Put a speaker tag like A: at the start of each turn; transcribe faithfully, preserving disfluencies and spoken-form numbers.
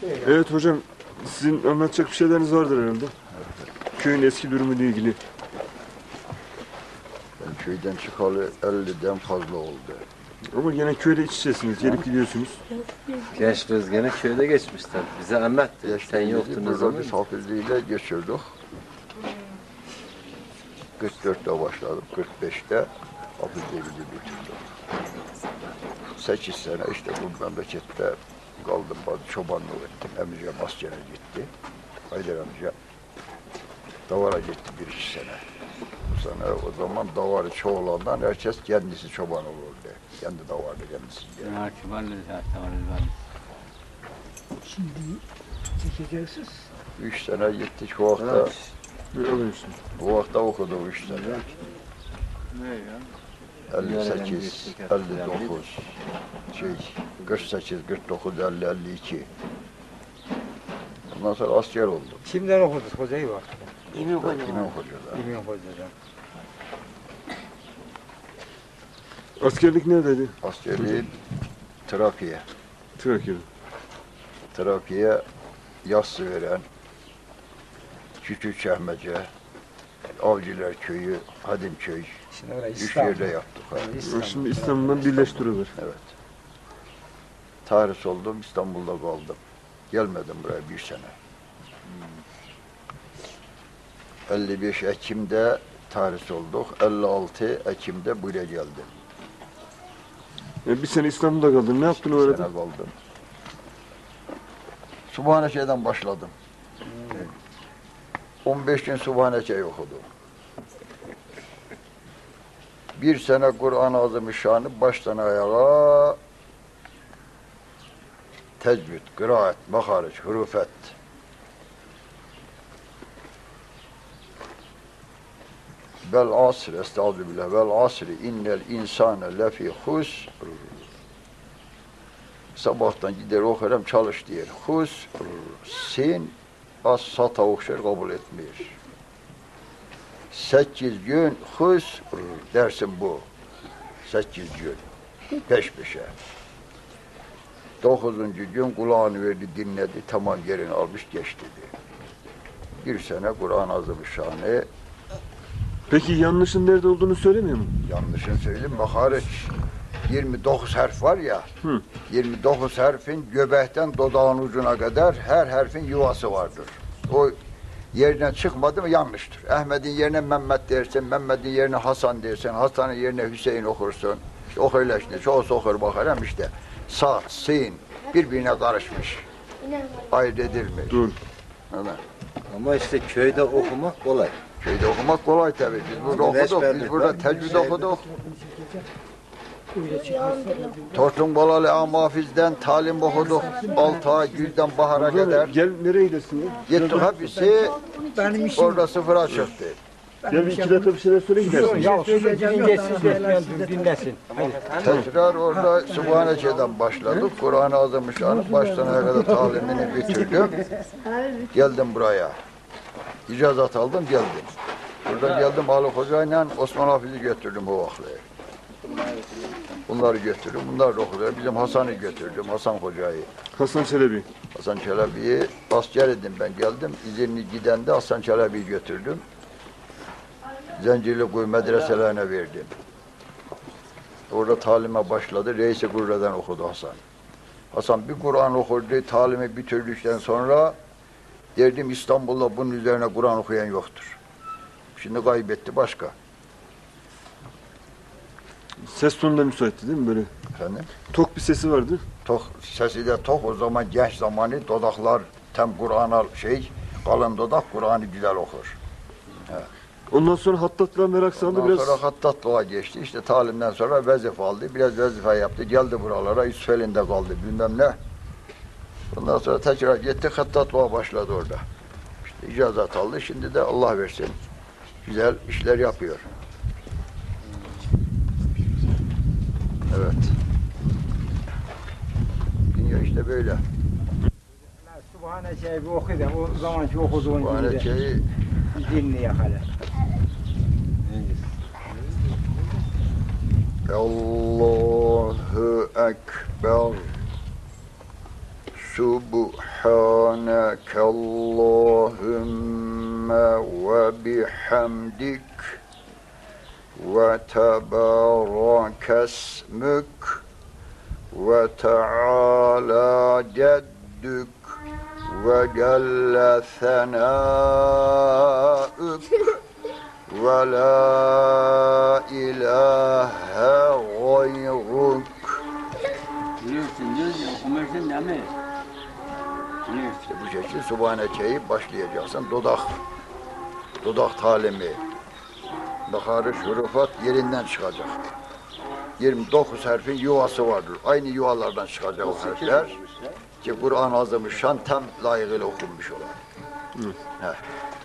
A: Evet hocam, sizin anlatacak bir şeyleriniz vardır herhalde. Köyün eski durumuyla ilgili.
B: Ben köyden çıkalı elliden fazla oldu.
A: Ama gene köyde iç içesiniz, gelip gidiyorsunuz.
C: Gençliğiniz gene köyde geçmişler. Bize anlattı. Sen yoktun o zaman.
B: Biz hafizliğiyle geçirdik. kırk dörtte başladım, kırk beşte hafizliği bitirdim. sekiz sene işte bu memlekette kaldım, bazı çobanlık ettim. Amcam askere gitti. Haydar amca davara gitti bir iki sene. Bu sene o zaman davarı çoğulandan herkes kendisi çoban olurdu. Kendi davardı kendisi.
D: Şimdi çekeceksiniz.
B: Üç sene gittik o vakta.
A: Böyle alıyorsun.
B: Bu vakta okudum üç sene. elli sekiz, elli dokuz, şey, kırk sekiz, kırk dokuz, elli, elli iki. Ondan sonra asker oldum.
D: Kimden okudunuz hocayı bak?
B: İmin Hoca'da.
D: İmin Hoca'dan.
A: Askerlik neredeydi?
B: Askerliğin Trakya'ya.
A: Trakya'da.
B: Trakya'ya yassı veren Küçük Çehmece, Avcılar Köyü, Hadimköy.
D: Şimdi orayı
B: Üç
D: İstanbul.
B: yerde yaptık. Ha.
D: İstanbul.
A: Şimdi İstanbul'dan birleştiriyorlar.
B: Evet. Tarih oldum, İstanbul'da kaldım. Gelmedim buraya bir sene. elli beş Ekim'de tarih olduk, elli altı Ekim'de buraya geldim.
A: Yani bir sene İstanbul'da kaldın. Ne yaptın o
B: Bir
A: arada?
B: sene kaldım. Subhaneke'den başladım. on beş gün Subhaneke'yi okudum. Bir sene Kur'an-ı Azimüşşan'ı baştan ayağa tecvid, kıraat, makariç, hurufet. Vel asr, estağfirullah, vel asri innel insane lefi husr. Sabahtan gider okurum, çalış diyor. Husr, sin, az sata okşar, kabul etmiyor. Sekiz gün husr, dersin bu. Sekiz gün, peş peşe. Dokuzuncu gün kulağını verdi, dinledi, tamam yerini almış, geçti dedi. Bir sene Kur'an-ı Azimüşşan'ı
A: Peki yanlışın nerede olduğunu söylemiyor mu?
B: yanlışını söyleyeyim, makariç yirmi dokuz harf var ya,
A: Hı.
B: yirmi dokuz harfin göbekten dodağın ucuna kadar her harfin yuvası vardır. O yerine çıkmadı mı yanlıştır. Ahmet'in yerine Mehmet dersin, Mehmet'in yerine Hasan dersin, Hasan'ın yerine Hüseyin okursun. İşte o öyle işte, çoğusu okur bakarım işte. Sa, sin birbirine karışmış. Ayırt edilmiş.
A: Dur.
B: Anladın?
C: Ama işte köyde okumak kolay.
B: Köyde okumak kolay tabii. Biz burada okuduk, biz burada tecvid okuduk. Tortun Balalı Amafiz'den talim okuduk. Altı ay güzden bahara kadar.
A: Gel nereye gidersin ya?
B: Gittik hepsi
D: Benim işim
B: orada sıfıra çıktı.
A: Gel bir iki dakika bir şeyler söyle gidersin.
D: ya söyleyeceğim yok. Siz dinlesin.
B: Tekrar orada Sübhaneke'den başladık. Kur'an-ı Azimüşşan'ı baştan ayağa kadar talimini bitirdim. Geldim buraya. İcazat aldım, geldim. Buradan geldim Ali Hoca'yla Osman Hafiz'i götürdüm bu vakti. Bunları götürdüm, bunlar da okudular. Bizim Hasan'ı götürdüm, Hasan Hoca'yı.
A: Hasan Çelebi.
B: Hasan Çelebi'yi asker edin ben geldim. İzinli giden de Hasan Çelebi'yi götürdüm. Zencirlikuyu medreselerine verdim. Orada talime başladı. Reis-i Kurre'den okudu Hasan. Hasan bir Kur'an okurdu, talimi bitirdikten sonra derdim İstanbul'da bunun üzerine Kur'an okuyan yoktur. Şimdi kaybetti başka.
A: Ses tonu da müsaitti değil mi böyle?
B: Efendim?
A: Tok bir sesi vardı.
B: Tok, sesi de tok o zaman genç zamanı dodaklar tam Kur'an'a şey kalın dodak Kur'an'ı güzel okur. Evet.
A: Ondan sonra hattatlığa merak saldı
B: Ondan
A: biraz.
B: sonra hattatlığa geçti. İşte talimden sonra vazife aldı. Biraz vazife yaptı. Geldi buralara. Yusufeli'nde kaldı. Bilmem ne. Ondan sonra tekrar gitti. Hattatlığa başladı orada. İşte icazat aldı. Şimdi de Allah versin. Güzel işler yapıyor. Evet. Dünya işte böyle.
D: Subhaneke'yi bir oku da o zamanki okuduğun gibi de
B: Sübhaneke'yi
D: dinle hala.
B: Allahu Ekber. Subhaneke Allahümme ve bihamdik ve tebarakesmük ve teala ceddük ve celle senâük ve la ilahe gayruk.
E: Biliyorsun, diyorsun, okumasın değil mi? Biliyorsun.
B: İşte bu şekilde Subhaneke'yi başlayacaksın. Dudak, dudak talimi, bakarı şurufat yerinden çıkacak. yirmi dokuz harfin yuvası vardır. Aynı yuvalardan çıkacak o harfler. Ki Kur'an-ı Azimüşşan tam layıkıyla okunmuş olan. Heh.